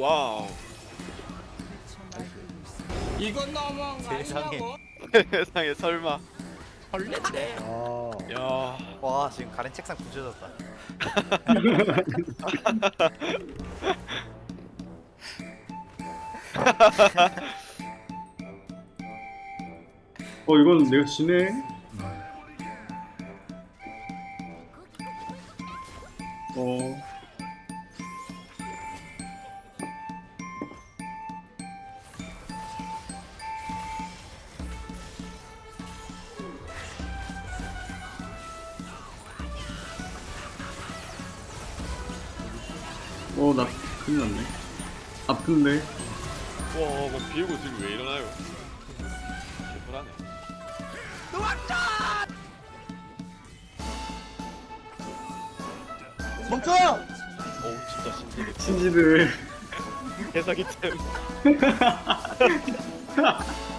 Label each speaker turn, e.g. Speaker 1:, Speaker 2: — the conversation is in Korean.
Speaker 1: 와우.
Speaker 2: 이건 너무한 거
Speaker 3: 세상에.
Speaker 2: 아니냐고?
Speaker 1: 세상에 설마.
Speaker 2: 벌레인데.
Speaker 4: 아,
Speaker 1: 야.
Speaker 3: 와 지금 가렌 책상 부셔졌다.
Speaker 4: 이건 내가 지네. 어, 나 큰일 났네. 아픈데.
Speaker 1: 와, 뭐 비우고 지금 왜 일어나요? 개불하네.
Speaker 3: 멈춰!
Speaker 1: 어우 진짜 신기해.
Speaker 4: 신지들.
Speaker 1: 개사기 템.